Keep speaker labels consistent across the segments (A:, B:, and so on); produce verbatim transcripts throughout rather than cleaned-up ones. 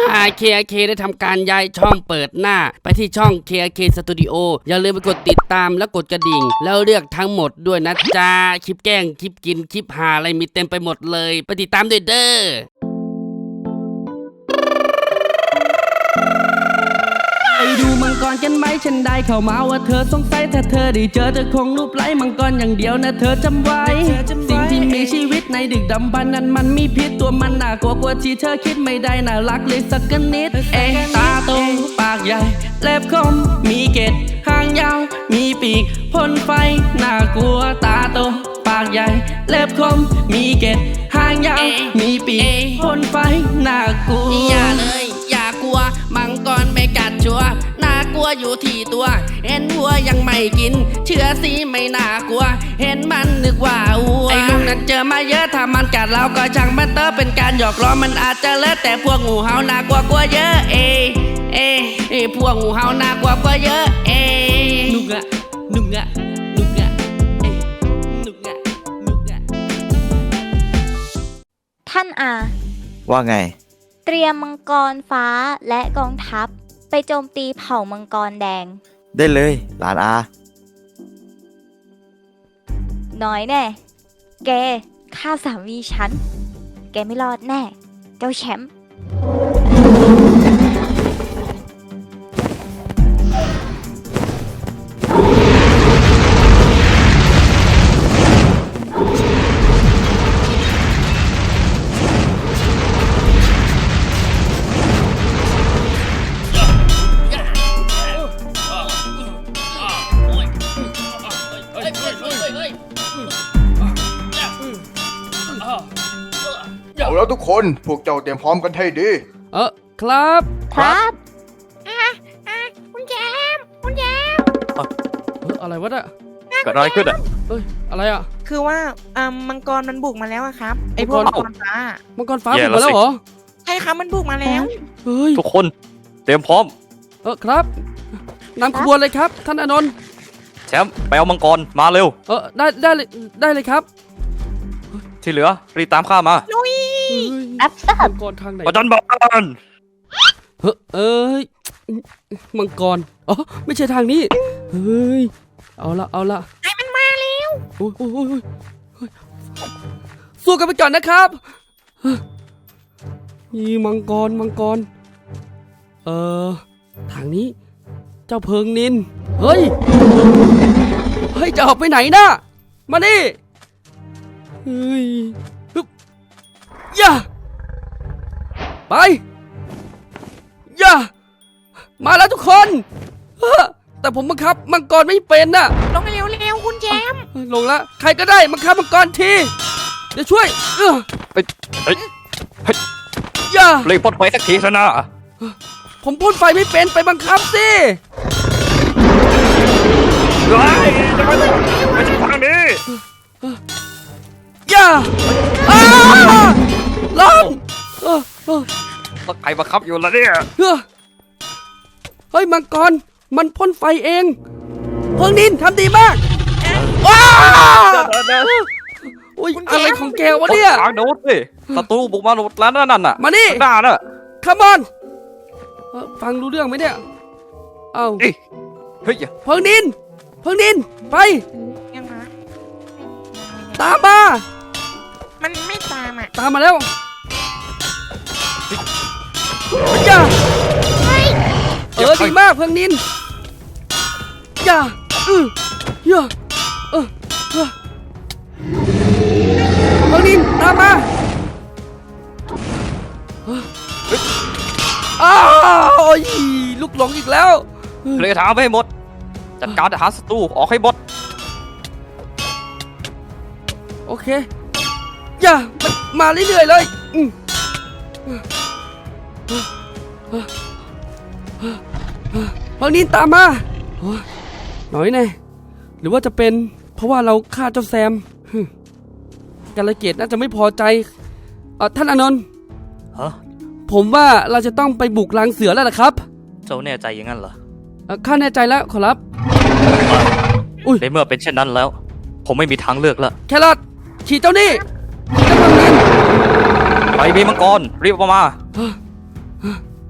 A: เค เค ได้ทำการย้ายช่องเปิดหน้าไปที่ช่อง เค เค Studio อย่าลืมไปกดติดตามและกดกระดิ่งแล้วเลือกทั้งหมดด้วยนะจ๊ะคลิปแกล้งคลิปกินคลิปหาอะไรมีเต็มไปหมดเลยไปติดตามด้วยเด้อไปดูมังกรกันไหมฉันได้เข้ามาว่าเธอสงสัยถ้าเธอได้เจอจะคงรูปไล้มังกรอย่างเดียวนะเธอจำไว้สิ่งที่มีชีวิตในดึกดำบรรพ์นั้นมันมีพิษตัวมันน่ากลัวกว่าที่เธอคิดไม่ได้น่ารักเลยสักนิดเอ๊ะตาโตปากใหญ่เล็บคมมีเกล็ดหางยาวมีปีกพ่นไฟน่ากลัวตาโตปากใหญ่เล็บคมมีเกล็ดหางยาวมีปีกพ่นไฟน่ากลัวอย่าเลยอย่ากลัวมังกรไม่กัดชัวน่ากลัวอยู่ที่ตัวเห็นวัวยังไม่กินเชื่อสิไม่น่ากลัวเห็นมันนึกว่าวัวไอ้ลุงนั้นเจอมาเยอะถ้ามันกัดเราก็ช่างมันเตอเป็นการหยอกล้อมันอาจจะเลิศแต่พวกงูเห่าน่ากลัวกว่าเยอะเอเอเอพวกงูเห่าน่ากลัวกว่าเยอะเอนุกอะนุกอะนุกอะเอนุกอะนุกอะ
B: ท่านอา
C: ว่าไง
B: เตรียมมังกรฟ้าและกองทัพไปโจมตีเผ่ามังกรแดง
C: ได้เลยหลานอา
B: น้อยแน่แกฆ่าสามีฉันแกไม่รอดแน่เจ้าแชมป์
D: เอาแล้วทุกคนพวกเจ้าเตรียมพร้อมกันให้ดี
A: เออครับ
B: ครับ
E: อ่ะอ่ะคุณแจมคุณแจม
A: เอออะไรวะเนี่ย
C: เกิดอะไรขึ้นอ่ะ
A: เอ้ยอะไรอ่ะ
E: คือว่าอ่ามังกรมันบุกมาแล้วอะครับไอพวกมังกรฟ้า
A: มังกรฟ้าบุกมาแล้วเหรอ
E: ใช่ครับมันบุกมาแล้ว
A: เฮ้ย
C: ทุกคนเตรียมพร้อม
A: เออครับนำขบวนเลยครับท่านอานนท์
C: แชมป์ไปเอามังกรมาเร็ว
A: เออได้ได้เลยได้เลยครับ
C: ที่เหลือรีบตามข้ามา
E: ลุย
B: รับทราบ
A: มังกรทางไหน
C: ประจันบาน
A: เฮ้ยเอ้ยมังกรอ๋อไม่ใช่ทางนี้เฮ้ยเอาละเอาละ
E: ไอ้มันมาแล้ว
A: โอ้ยโอ้ยโอ้ยสู้กันไปก่อนนะครับนี่มังกรมังกรเอ่อทางนี้เจ้าเพิงนินเฮ้ยเฮ้ยจะออกไปไหนนะมาดิเฮ้ยฮึบย่าไปย่ามาแล้วทุกคนแต่ผมบังคับมังกรไม่เป็นน่ะ
E: ลงเร็วเร็วคุณแจม
A: ลงละใครก็ได้บังคับมังกรทีเดี๋ยวช่วยเออ
C: เฮ้ยเฮ้ย
A: ย่า
C: เลยพ่นไฟสักทีซะนะ
A: ผมพ่นไฟไม่เป็นไปบังคับสิ
C: เฮ้ยจะไปไม่ใช่ทางนี้
A: ย่าอ้าล้มเออเออ
C: ต้องใครบังคับอยู่ล่ะเนี่ย
A: เฮ้ยมังกรมันพ่นไฟเองเพิงนินทำดีมากว้าอุ้ยอะไรของแกวะเนี่ย
C: ทางโน้ตสิศัตรูบุกมาหมดแล้วนั่นน่ะ
A: มานี่
C: ด่าน่ะ
A: คัมอนฟังรู้เรื่องไหมเนี่ยเอ้า
C: เฮ้ยเ
A: พิงนินเพิงนินไป
E: ยังมา
A: ตามมา
E: มันไม่ตามอ่ะ
A: ตามมาแล้วย่าเออดีมากเพิงนินย่าเออย่าเออเพิงนินตามมาอ้าวลูกหลงอีกแล้ว
C: เลยถามให้หมดจัดการหาศัตรูออกให้หมด
A: โอเคอย่ามาเรื่อยๆเลยบางนินตามมาหน่อยแน่หรือว่าจะเป็นเพราะว่าเราฆ่าเจ้าแซมกาลเกตน่าจะไม่พอใจท่านอานนท์
C: ฮะ
A: ผมว่าเราจะต้องไปบุกรังเสือแล้วล่ะครับ
C: เจ้าแน่ใจอย่างนั้นเหรอ
A: ข้าแน่ใจแล้วขอรับ
C: อุ้ยในเมื่อเป็นเช่นนั้นแล้วผมไม่มีทางเลือกแล้ว
A: แครอทขี่เจ้านี่ขี่เจ้าเพิงนิน
C: ไปมีมังกรรีบออกมา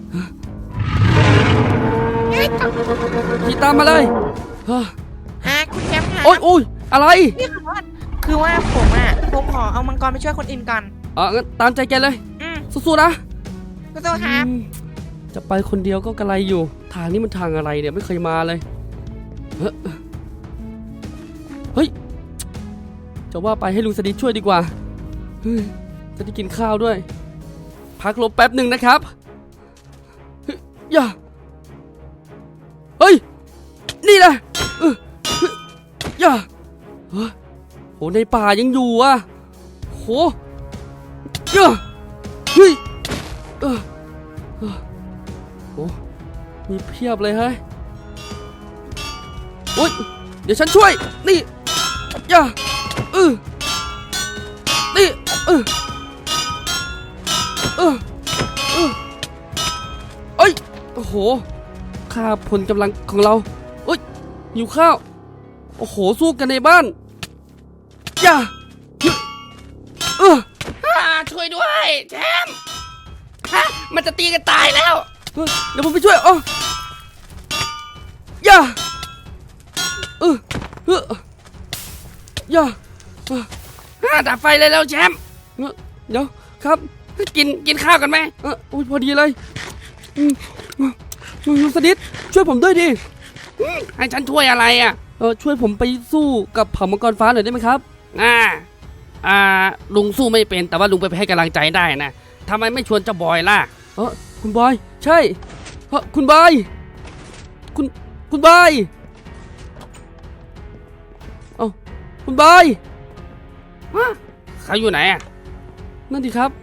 A: ขี่ตามมาเลยเฮ้ย
E: ฮะคุณแชมป์คะ
A: โอ๊ยโอ๊ยอะไร
E: นี่ขอโทษคือว่าผมอ่ะผมขอเอามังกรไปช่วยคนอื่นก่อน
A: เอองั้นตามใจแกเลย
E: อืม
A: สู้ๆนะ
E: สู้ๆครับ
A: อืมจะไปคนเดียวก็กระไรอยู่ ทางนี้มันทางอะไรเนี่ยไม่เคยมาเลยเฮ้ยเฮ้ยจะว่าไปให้ลุงสดิษช่วยดีกว่าเฮ้ยจะได้กินข้าวด้วย พักลบแป๊บหนึ่งนะครับเฮ้ยอย่าเฮ้ยนี่แหละเออเฮ้ยอย่าเฮ้ยโหในป่ายังอยู่อ่ะโหอย่าเฮ้ยเออเออโหมีเพียบเลยเฮ้ยโอ๊ยเดี๋ยวฉันช่วยนี่อย่าเออนี่เออเออเออเอ้ยโอ้โหค่าผลกำลังของเราเอ้ยหิวข้าวโอ้โหสู้กันในบ้านอย่าเออ
F: ช่วยด้วยแชมป์ฮะมันจะตีกันตายแล้ว
A: เออเดี๋ยวผมไปช่วยอ๋ออย่าเออเอออย่าเออ
F: อ่าดับไฟเลยแล้วแชมป์
A: เออเดี๋ยวครับ
F: กินกินข้าวกันไหม
A: เออโอ้ยพอดีเลยอืมอืมลุงสดิษช่วยผมด้วยดิ
F: อืมให้ฉันช่วยอะไรอ่ะ
A: เออช่วยผมไปสู้กับเผ่ามังกรฟ้าหน่อยได้ไหมครับ
F: อ่าอ่าลุงสู้ไม่เป็นแต่ว่าลุงไปให้กำลังใจได้นะทำไมไม่ชวนเจ้าบอยล่ะ
A: เออคุณบอยใช่เออคุณบอยคุณคุณบอยเอ้าคุณบอย
F: ฮะเขาอยู่ไหนอ่ะ
A: นั่นดิครับ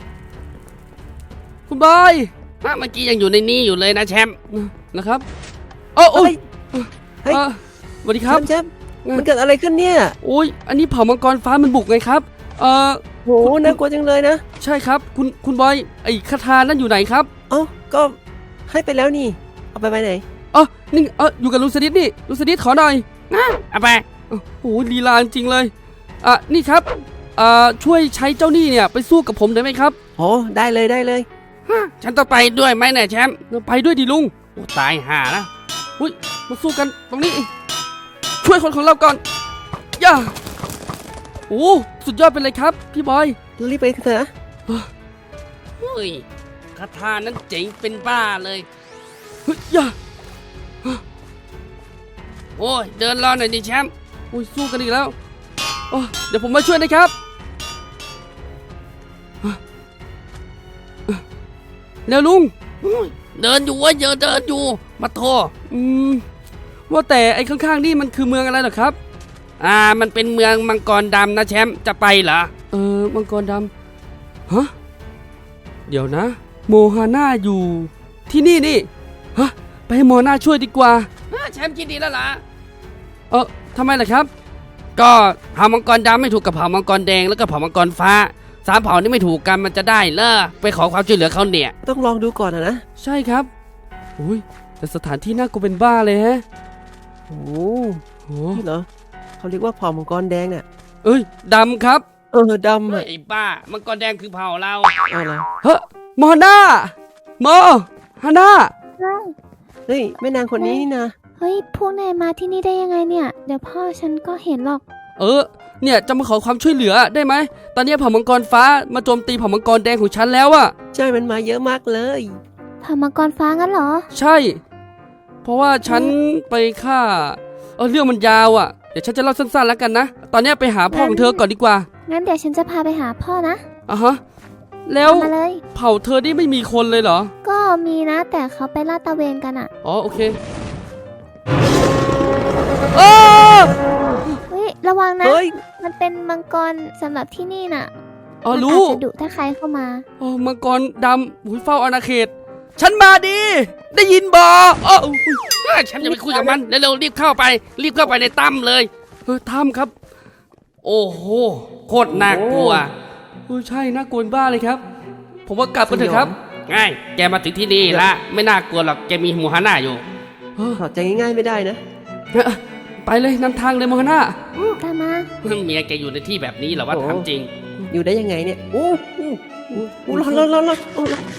A: คุณบอย
F: ฮะเมื่อกี้ยังอยู่ในนี้อยู่เลยนะแชมป์
A: นะครับโอ้โอ้ย
G: เฮ้ย
A: เอ่อสวัสดีครับ
G: แชมป์มันเกิดอะไรขึ้นเนี่ย
A: โอ้ยอันนี้เผ่ามังกรฟ้ามันบุกไงครับเออ
G: โหน่ากลัวจังเลยนะ
A: ใช่ครับคุณคุณบอยไอ้คาถานั่นอยู่ไหนครับ
G: เอ้าก็ให้ไปแล้วนี่ เอาไปไว้ไหน
A: อ๋อนี่เอออยู่กับลุงสดิษนี่ลุงสดิษขอหน่อย
F: นะเอาไป
A: โอ้โหลีลาจริงเลยอ่ะนี่ครับอ่าช่วยใช้เจ้าหนี้เนี่ยไปสู้กับผมได้ไหมครับ
G: โหได้เลยได้เลย
F: ฮะฉันต้องไปด้วยไหมเนี่ยแชมป์
A: ไปด้วยดิลุง
F: โอ้ตายห่าแล้ว
A: อุ้ยมาสู้กันตรงนี้ ช่วยคนของเราก่อนย่าโอ้สุดยอดไปเลยครับพี่บอย
G: รีบไปเถอะนะ
F: เฮ้ยคาถานั้นเจ๋งเป็นบ้าเลย
A: เฮ้ยย่า
F: โอ้ยเดินรอหน่อยดิแชมป์
A: โอ้ยสู้กันอีกแล้วโอ้เดี๋ยวผมมาช่วยนะครับเร็วลุง
F: โอ้ยเดินอยู่เว่าเยอะเดินอยู่มาโทร
A: อืมว่าแต่ไอ้ข้างๆนี่มันคือเมืองอะไรเหรอครับ
F: อ่ามันเป็นเมืองมังกรดำนะแชมป์จะไปเหรอ
A: เออมังกรดำฮะเดี๋ยวนะ โมฮาน่าอยู่ที่นี่นี่ฮะไปให้โมฮาน่าช่วยดีกว่า
F: อ่าแชมป์คิดดีแล้วล่ะ
A: เออทำไมล่ะครับ
F: ก็เผ่ามังกรดำไม่ถูกกับเผ่ามังกรแดงแล้วก็เผ่ามังกรฟ้าสามเผ่านี้ไม่ถูกกันมันจะได้เหรอไปขอความช่วยเหลือเขาเนี่ย
G: ต้องลองดูก่อนนะนะ
A: ใช่ครับอุ้ยแต่สถานที่น่ากลัวเป็นบ้าเลยฮะ
G: โอ้
A: โห
G: นี่เหรอเขาเรียกว่าเผ่ามังกรแดงน่ะ
A: เอ้ยดำครับ
G: เออดำอ่ะ
F: ไอ้บ้ามังกรแดงคือเผ่าเรา
G: เอาละ
A: เฮ้ยโมฮาน่าโมฮาน่า
G: เฮ้ยแม่นางคนนี้นี่นะ
H: เฮ้ย พวกนายมาที่นี่ได้ยังไงเนี่ย เดี๋ยวพ่อฉันก็เห็นหรอก
A: เออเนี่ยจะมาขอความช่วยเหลือได้ไหมตอนนี้เผ่ามังกรฟ้ามาโจมตีเผ่ามังกรแดงของฉันแล้วอะ
G: ใช่มันมาเยอะมากเลย
H: เผ่ามังกรฟ้างั้นเหรอ
A: ใช่ เพราะว่าฉันไปฆ่าเออเรื่องมันยาวอะเดี๋ยวฉันจะเล่าสั้นๆแล้วกันนะตอนนี้ไปหาพ่อของเธอก่อนดีกว่า
H: งั้นเดี๋ยวฉันจะพาไปหาพ่อนะ
A: อ่ะฮะแล้ว
H: มาเลย
A: เผ่าเธอนี่ไม่มีคนเลยเหรอ
H: ก็มีนะ แต่เขาไปลาดตระเวนกันอะ
A: อ๋อโอเคเออ
H: เฮ้ย ระวังนะ
G: เฮ้ย
H: มันเป็นมังกรสำหรับที่นี่น่ะ
A: อ๋อ
H: มัน
A: รู้
H: อาจจะดุถ้าใครเข้ามา
A: อ๋อมังกรดำหุยเฝ้าอาณาเขต ฉันมาดี ได้ยินบออ๋ออุ๊ย
F: เฮ้ยฉันจะไปคุยกับมันเร็วๆรีบเข้าไป รีบเข้าไปในถ้ำเลย
A: เออถ้ำครับ
F: โอ้โหโคตรน่ากลัว
A: เออใช่น่ากลัวบ้าเลยครับ ผมว่ากลับกันเถอะครับ
F: ง่ายแกมาถึงที่นี่ละไม่น่ากลัวหรอกแกมีหมูฮาน่าอยู่
A: เออ
G: ถอดใจง่ายๆไม่ได้นะ
A: เออไปเลยนำทางเลยโมฮาน่า
H: ตามมา
F: เมียแกอยู่ในที่แบบนี้เหรอวะ
G: โอ้
F: ถามจริง
G: อยู่ได้ยังไงเนี่ยโอ้โอ้โอ้โอ้ร้อนร้อนร้อนร้อนโอ้ร้อน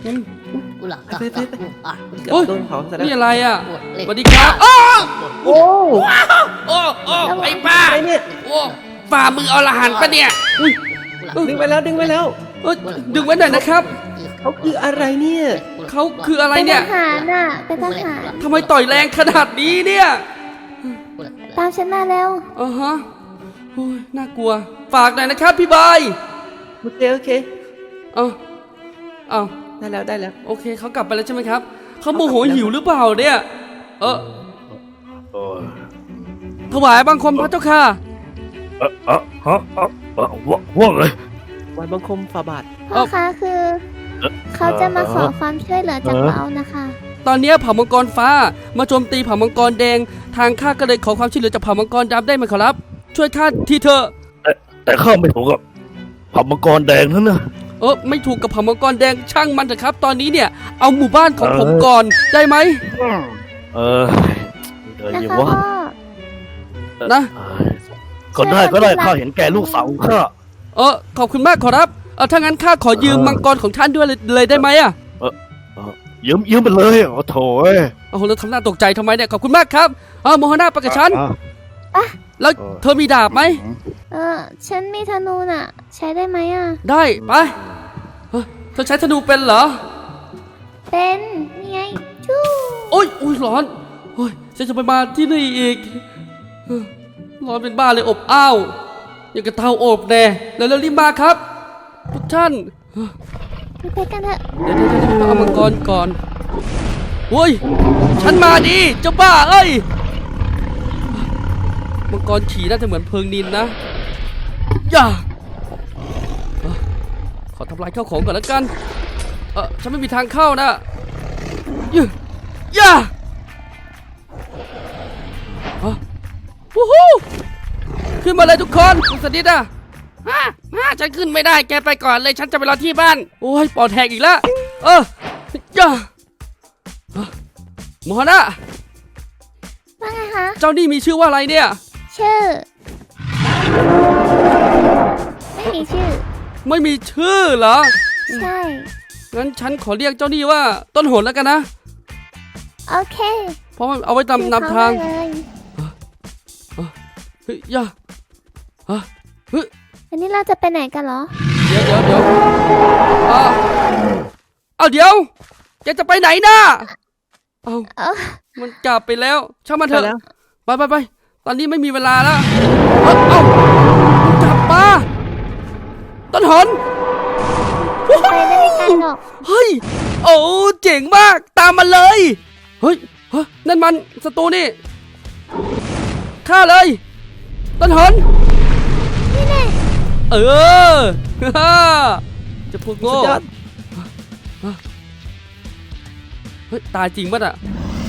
G: ไปไปไปเกือบ
F: โอ้ย
G: โดนเผาซะแล้ว
F: นี่อะไรอ่ะสวัสดีครับอ้อ
G: โอ้
F: โอ้โอ้ไอ้ป้า
G: อะไรเนี่ย
F: โอ้ฝ่ามืออรหันต์ปะเนี่ยอุ้ย
G: ดึงไปแล้วดึงไปแล้ว
F: เอ้ยดึงไว้หน่อยนะครับ
G: เขาคืออะไรเนี่ย
F: เขาคืออะไร
H: เป็น
F: เนี่ย
H: ทหารน่ะ เป็นทหาร
F: ทำไมต่อยแรงขนาดนี้เนี่ย
H: ตามฉันมาแล้ว
F: อ่าฮะโอ้ยน่ากลัว ฝากหน่อยนะครับพี่บาย
G: โอเคโอเค
F: เอาเอา
G: ได้แล้วได้แล้ว
F: โอเคเขากลับไปแล้วใช่ไหมครับเขาโมโหหิวหรือเปล่าเนี่ย เออ
I: เออ
F: ถวายบังคมพระเจ้าค่ะ
I: เออเออฮะเออเออว่าว่าไง
G: วันบังคมฝ่าบาท
H: พ่อคะคือ เขาจะมาขอความช่วยเหลือจากเรานะคะ
F: ตอนเนี้ยเผ่ามังกรฟ้ามาโจมตีเผ่ามังกรแดง ทางข้าก็เลยขอความช่วยเหลือจากเผ่ามังกรดำได้ไหมขอรับ ช่วยข้าทีเถอะ
I: แต่ข้าไม่ถูกกับผับมังกรแดงนั่นนะ
F: เออไม่ถูกกับเผ่ามังกรแดงช่างมันเถอะครับ ตอนนี้เนี่ยเอาหมู่บ้านของ
I: เออ
F: ผมก่อนได้ไหม
I: เออเดี๋ยว
H: นะ
I: อยู่
H: คะ
I: ว่า
H: พ่อ
F: นะ
I: ก็ได้ก็ได้ข้าเห็นแก่ลูกสาวของข้า
F: เออขอบคุณมากขอรับเออถ้างั้นข้าขอยืม
I: เออ
F: มังกรของท่านด้วยเลยเลยได้ไหมอะ
I: ยืมยืมไปเลยโอ้โถเอ้ย
F: โอ้โหแล้วทำหน้าตกใจทำไมเนี่ยขอบคุณมากครับเออโมฮนาไปกับฉัน
I: อ่ะ
F: แล้ว
I: เออ
F: เธอมีดาบไหม
H: เออ ฉันมีธนูน่ะ ใช้ได้ไหมอ่ะ
F: ได้ไปเฮ้ยเธอใช้ธนูเป็นเหรอ
H: เป็นนี่ไงชู้
F: โอ้ยอุ้ยร้อนโอ้ยฉันจะไปมาที่นี่อีกเฮ้ยร้อนเป็นบ้าเลยอบอ้าวอย่างกับเตาอบแน่แล้วเร็วรีบมาครับทุกท่านเฮ้ย
H: ไปกันเถอะ
F: เดี๋ยวเดี๋ยวเดี๋ยวเอามังกรก่อนโอ้ยฉันมาดีเจ้าบ้าเอ้ยมังกรขี่น่าจะเหมือนเพลิงนินนะอย่าเอ้อขอทำลายข้าวของก่อนแล้วกันเออฉันไม่มีทางเข้านะย่าย่าฮะวู้ฮู้ขึ้นมาเลยทุกคนคุณสดิษฐ์อะฮะฮะฉันขึ้นไม่ได้แกไปก่อนเลยฉันจะไปรอที่บ้านโอ้ยปอดแหกอีกแล้วเออย่าเอ้อโมฮานะ
H: ว่าไงคะ
F: เจ้านี่มีชื่อว่าอะไรเนี่ย
H: ชื่อ ไม่มีชื่อ
F: ไม่มีชื่อเหรอ
H: ใช่
F: งั้นฉันขอเรียกเจ้านี่ว่าต้นโหนแล้วกันนะ
H: โอเค
F: เพราะมันเอาไว้นำนำทาง
H: ชื่อเขเลย
F: เฮ้ยอย่าฮะเฮ้ย
H: อันนี้เราจะไปไหนกันเหรอ
F: เดี๋ยวเดี๋ยวเดี๋ยวอ่าเอาเดี๋ยวแกจะไปไหนน่ะเอา
H: เออ
F: มันกลับไปแล้วช่างมันเถ
G: ไป
F: อะ
G: แล้ว
F: ไปไปไปตอนนี้ไม่มีเวลาแล้วเอ้าเอ้ามันกลับมาต้นหน
H: ไปได้ไม่ไกลหรอก
F: เฮ้ยโอ้เจ๋งมากตามมาเลยเฮ้ยเฮ้ยนั่นมันศัตรูนี่ฆ่าเลยต้นหน
H: นี่แน่
F: เออ จะพวกโง่
G: สุดยอด
F: เฮ้ยตายจริงป่ะอ่ะ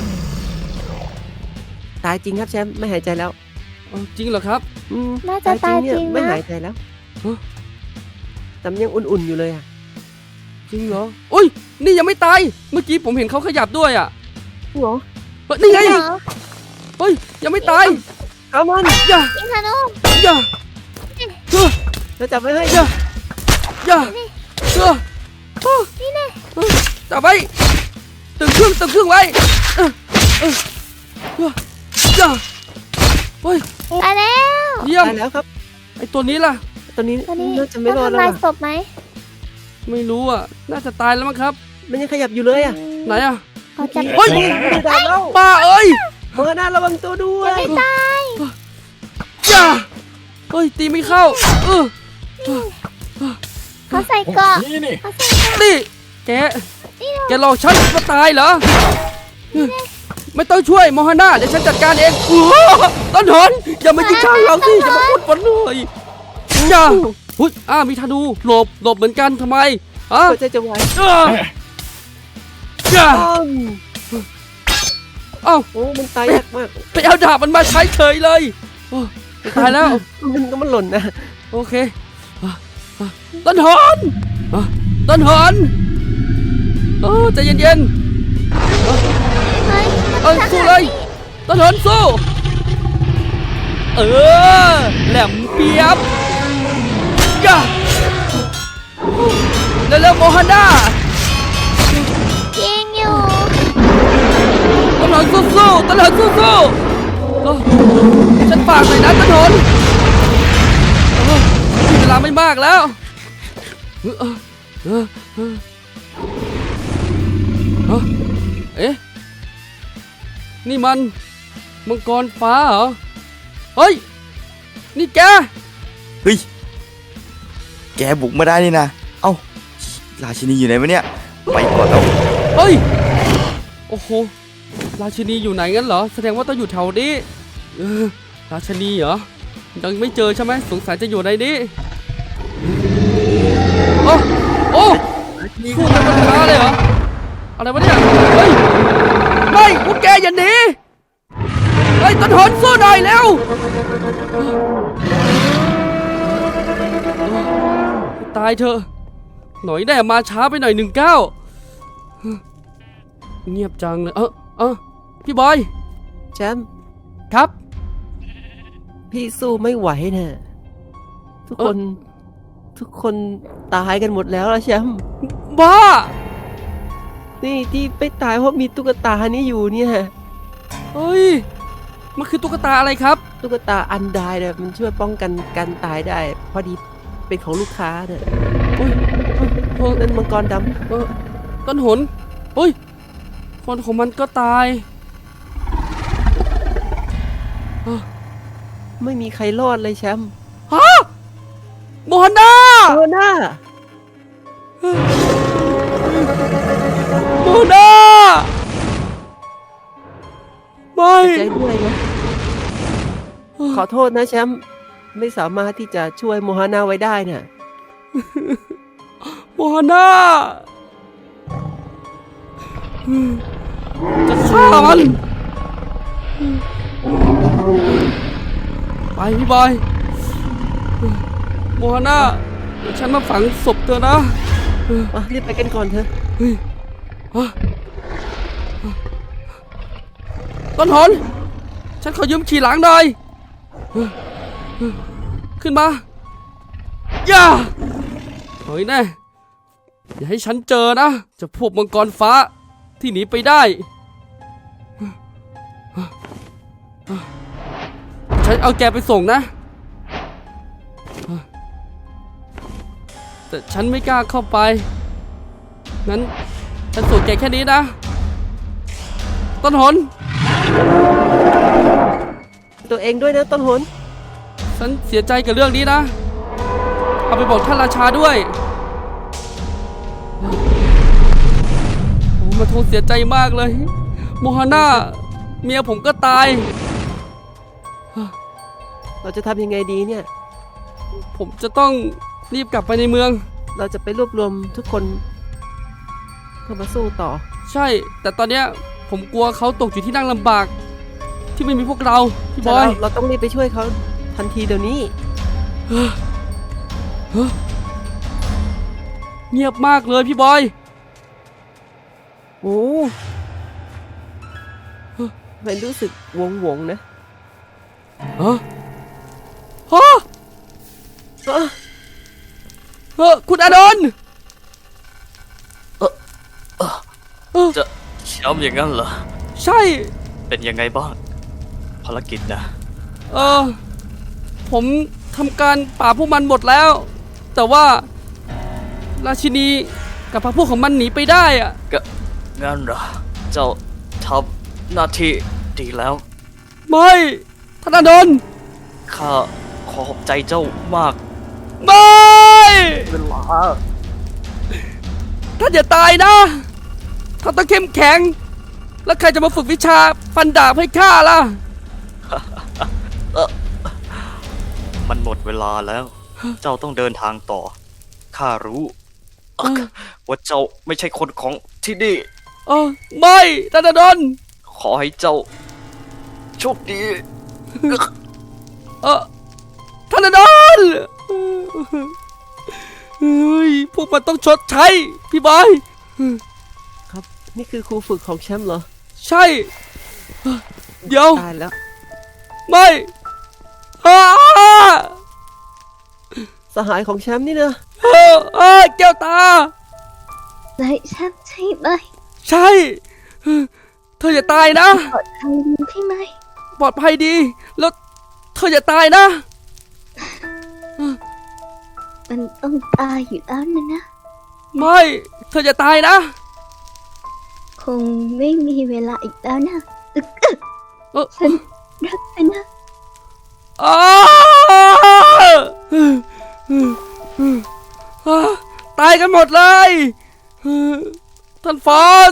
G: ตายจริงครับแชมป์ไม่หายใจแล้ว
F: เอาจริงเหรอครับ
G: อืม
H: น่าจะตายจริง
G: ไม่
H: นะ
G: หายใจแล้ว
F: ฮะ
G: แต่มันยังอุ่นๆอยู่เลยอ่ะ
F: จริงเหรออุ้ยนี่ยังไม่ตายเมื่อกี้ผมเห็นเขาขยับด้วยอ่ะ
G: หัว
F: เฮ้ยนี่ไง
H: เหรอ
F: เฮ้ยยังไม่ตาย
G: เอามัน
F: อย่า
H: ยิงธนู
F: อย่าเออ
G: แล้วจับไว้ให้
F: อย่าอย่าเออเออ
H: นี่แน่
F: เออจับไว้ตึงเครื่องตึงเครื่องไว้เออเออเอออย่าเฮ้ย
H: ตายแล้ว
F: เยี่ยม
G: ตายแล้วครับ
F: ไอตัวนี้ล่ะ
G: ตอนนี้
H: ตอนนี้
G: น่าจะไม่รอด
H: ต้ง
G: แล้ว
H: ทำลาย
G: อะ
H: ศพไหม
F: ไม่รู้อ่ะน่าจะตายแล้วมั้งครับ
G: มันยังขยับอยู่เลยอ่ะ
F: ไหนอ่ะ
H: เขาจะ
F: เฮ้ย
G: ไม่ได้แล้ว
F: ป้าเอ้ย
G: เมื่อหน้าระวังตัวด้วย
H: ไม่ตาย
F: อย่าเฮ้ยตีไม่เข้าเออ
H: เขาใส่เกราะ
D: นี่นี่
H: เขาใส่เกราะ
F: นี่แก
H: นี่เหรอ
F: แกหลอกฉันมาตายเหรอไม่ต้องช่วยโมฮาน่าเดี๋ยวฉันจัดการเองอู้ต้นหนอย่ามายิงข้างเราสิอย่ามาพูดฝนเลยอย่าหุ้ยอ้ามีธนูหลบหลบเหมือนกันทำไมอ่ะ
G: หัวใจจะวาย
F: เอ้ออย่า
G: อ้อม
F: เอ้า
G: โอ้มันตายยากมาก
F: ไปเอาดาบมันมาใช้เฉยเลยโอ้ตายแล้ว
G: มันก็มันหล่นนะ
F: โอเคอ่ะอ่ะต้นหนอ่ะต้นหนโอ้ใจเย็นๆ
H: เฮ้ย
F: เอ้ยสู้เลยต้นหนสู้เออแหลมเปียบย่าเร็วๆโมฮันดาสู้ๆต้นหนสู้ๆเออฉันฝากหน่อยนะต้นหนเออมีเวลาไม่มากแล้วเออเออเออเออเอ๊ะนี่มันมังกรฟ้าเหรอเฮ้ยนี่แก
J: เฮ้ย แกบุกมาได้นี่นะ เอ้า ราชินีอยู่ไหนวะเนี่ย ไปก่อนแล้ว
F: เฮ้ยโอ้โหราชินีอยู่ไหนงั้นเหรอแสดงว่าต้องอยู่แถวนี้เออราชินีเหรอยังไม่เจอใช่ไหมสงสัยจะอยู่ในนี้โอ้โอ้สู้กันมันช้าเลยเหรออะไรวะเนี่ยเฮ้ยไม่พวกแกอย่าหนีเฮ้ยต้นหนสู้หน่อยเร็วตายเถอะหน่อยแน่มาช้าไปหน่อยหนึ่งเก้าเงียบจังเลยเออเออพี่บอย
G: แชมป์
F: ครับ
G: พี่สู้ไม่ไหวเนี่ยทุกคน ทุกคนตายกันหมดแล้วละแชมป์
F: บ้า
G: นี่ที่ไม่ตายเพราะมีตุ๊กตานี้อยู่เนี่ย
F: เฮ้ยมันคือตุ๊กตาอะไรครับ
G: ตุ๊กตาอันไดเนี่ยมันช่วยป้องกันการตายได้ พอดีเป็นของลูกค้าเนี่ย
F: โอ้ยเออ
G: นั่นมังกรด
F: เออต้นหนเฮ้ยคนของมันก็ตาย
G: ำไม่มีใครรอดเลยแชมป์
F: ฮะโมฮันนา
G: โอน่า
F: โมฮันนาไม่
G: ใจด้วยนะขอโทษนะแชมป์ไม่สามารถที่จะช่วยโมฮาน่าไว้ได้เนี่ย
F: โมฮันนาจะฆ่ามันไปพี่บอยโมฮันนาเดี๋ยวฉันมาฝังศพเธอนะ
G: อ่ะรีบไปกันก่อนเถอะ
F: เฮ้ยฮะต้นหนฉันขอยืมขี่หลังหน่อยขึ้นมาย่าเฮ้ยแน่อย่าให้ฉันเจอนะเจะพวกมังกรฟ้าที่หนีไปได้ฉันเอาแกไปส่งนะแต่ฉันไม่กล้าเข้าไปงั้นฉันส่งแกแค่นี้นะต้นหน
G: ตัวเองด้วยนะต้นหน
F: ฉันเสียใจกับเรื่องนี้นะเอาไปบอกท่านราชาด้วยโอ้มาโทษเสียใจมากเลยโมฮาน่าเมียผมก็ตาย
G: เราจะทำยังไงดีเนี่ย
F: ผมจะต้องรีบกลับไปในเมือง
G: เราจะไปรวบรวมทุกคนเพื่อมาสู้ต่อ
F: ใช่ แต่ตอนเนี้ยผมกลัวเขาตกอยู่ที่นั่งลำบาก ที่ไม่มีพวกเราพี่บ
G: แต่
F: อ
G: เรา
F: ย
G: เราต้องรีบไปช่วยเขาทันทีเดี๋ยวนี้
F: เงียบมากเลยพี่บอย
G: โอ้มันรู้สึกวงวงๆนะ
F: ฮะฮะ
G: เอ้อ
F: เออคุณอานนท์
C: จะย้ำอย่างนั้นเหรอ
F: ใช่
C: เป็นยังไงบ้าง ภารกิจนะ
F: เออผมทำการปราบพวกมันหมดแล้ว แต่ว่าราชินีกับพรรคพวกของมันหนีไปได้อะ
C: ก็งั้นเหรอ เจ้าทำหน้าที่ดีแล้ว
F: ไม่ท่านอานนท์
C: ข้าขอขอบใจเจ้ามาก
F: ไม่
C: เวลา
F: ท่านอย่าตายนะท่านต้องเข้มแข็ง แล้วใครจะมาฝึกวิชาฟันดาบให้ข้าล่ะ
C: มันหมดเวลาแล้ว เจ้าต้องเดินทางต่อ ข้ารู้ว่าเจ้าไม่ใช่คนของที่นี่
F: เออไม่ท่านอานนท์
C: ขอให้เจ้าโชคดี
F: เออท่านอานนท์เฮ้ยพวกมันต้องชดใช้พี่บอย
G: ครับ นี่คือครูฝึกของแชมป์เหรอ
F: ใช่เดี๋ยว
G: ตายแล้ว
F: ไม่อ้า
G: สหายของแชมป์นี่นะ
F: เออเออแก้วตา
H: เลยฉันใช่ไหม
F: ใช่ เธออย่าตายนะ
H: ปลอดภัยดีใช่ไหม
F: ปลอดภัยดี แล้วเธออย่าตายนะ
H: มันต้องตายอยู่แล้วนะนะ
F: ไม่ เธออย่าตายนะ
H: คงไม่มีเวลาอีกแล้วนะอึกอึก
F: เออ
H: ฉันรักเธอนะ
F: อ้าอ่าตายกันหมดเลยท่านฟอส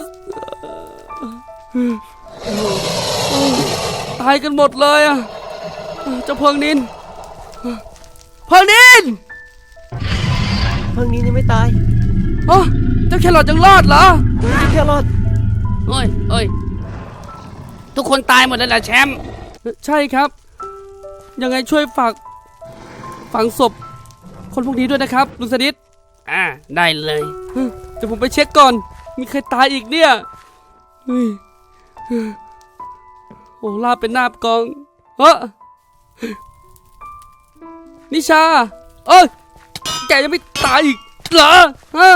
F: ตายกันหมดเลยอ่ะเจ้าเพิงนินเพิงนิน
G: เพิ่งนี้ยังไม่ตาย
F: อ๋อเจ้าแครอทยังรอดเหรอ
G: แค่รอด
F: เอ้ยเอ้ยทุกคนตายหมดเลยเหรอแชมป์ใช่ครับ ยังไงช่วยฝากฝังศพคนพวกนี้ด้วยนะครับลุงสนิทอ่าได้เลยเดี๋ยวผมไปเช็คก่อนมีใครตายอีกเนี่ยเฮ้ยโอ้ลาบเป็นหน้ากองเฮ้อนิชาเอ้ยแกยังไม่ตายอีกเหรอฮะ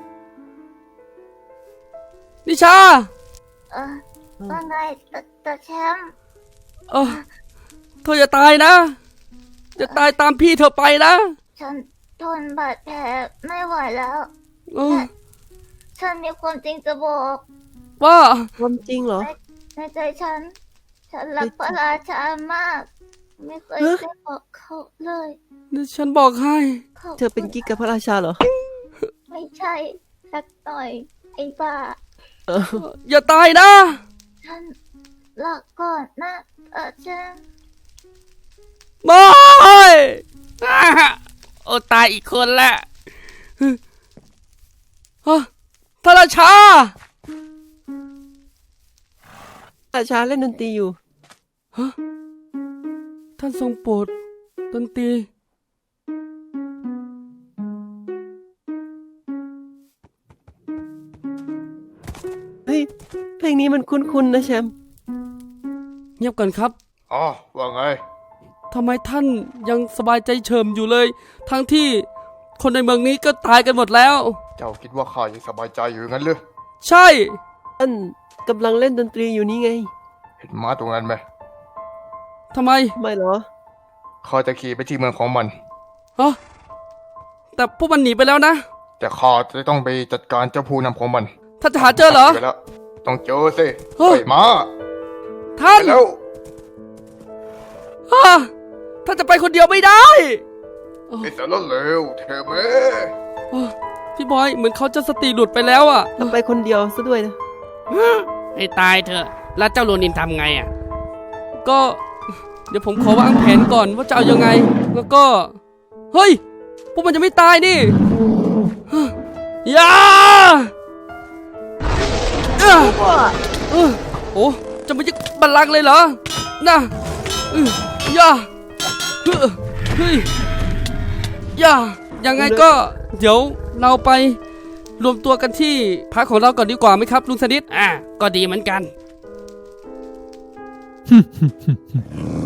F: นิชา
H: เออว่าไงแต่แต่แชมป์
F: เออเธออย่าตายนะจะตายตามพี่เธอไปนะ
H: ฉันทนบาดแผลไม่ไหวแล้ว
F: เออ
H: ฉันมีความจริงจะบอก
F: ว่า
G: ความจริงเหรอ
H: ในใจฉัน ฉันรักพระราชามาก ไม่เคย
G: ฮะ
H: ได้บอกเขาเลย
F: ฉันบอกให้
H: ขา
G: เธอเป็นกิ๊กกับพระราชาเหรอ
H: ไม่ใช่สักหน่อย ไอ้บ้า
G: เออ
F: อย่าตายนะ
H: ฉันลาก่อนนะเออฉัน
F: ไม่อ่าโอ้ตายอีกคนละฮะท่านราชา
G: พระราชาเล่นดนตรีอยู่
F: ฮะท่านทรงโปรดดนตรี
G: เฮ้ย เพลงนี้มันคุ้นๆนะแชมป์
F: เงียบก่อนครับ
D: อ๋อ ว่าไง
F: ทำไมท่านยังสบายใจเฉิมอยู่เลย ทั้งที่คนในเมืองนี้ก็ตายกันหมดแล้ว
D: เจ้าคิดว่าข้ายังสบายใจอยู่งั้นหรือ
F: ใช่
G: ท่านกำลังเล่นดนตรีอยู่นี่ไง
D: เห็นม้าตรงนั้นไหม
F: ทำไม
G: ไม่เหรอ
D: ข้าจะขี่ไปที่เมืองของมัน
F: ฮะแต่พวกมันหนีไปแล้วนะ
D: แต่ข้าจะต้องไปจัดการเจ้าผู้นำของมัน
F: ท่านจะหาเจอเหรอ
D: ไปแล้วต้องเจอสิ
F: เฮ้ย
D: ไอ้ม้า
F: ท่าน
D: ไปแล้ว
F: ฮะท่านจะไปคนเดียวไม่ได้
D: ไอ้สารเลวเธอแม่
F: เออพี่บอยเหมือนเขาจะสติหลุดไปแล้วอ่ะ
G: แล้วไปคนเดียวซะด้วยนะ
F: ให้ตายเถอะ แล้วเจ้าโรนินทำไงอ่ะ ก็ เดี๋ยวผมขอวางแผนก่อนว่าจะเอายังไง แล้วก็ เฮ้ย พวกมันจะไม่ตายนี่ฮะอย่าเอ้อเออโอ้จะมายึดบัลลังก์เลยเหรอ น่ะเออย่าเฮ้อเฮ้ยอย่ายังไงก็ เดี๋ยวเราไปรวมตัวกันที่พักของเราก่อนดีกว่าไหมครับลุงสนิทอ่าก็ดีเหมือนกัน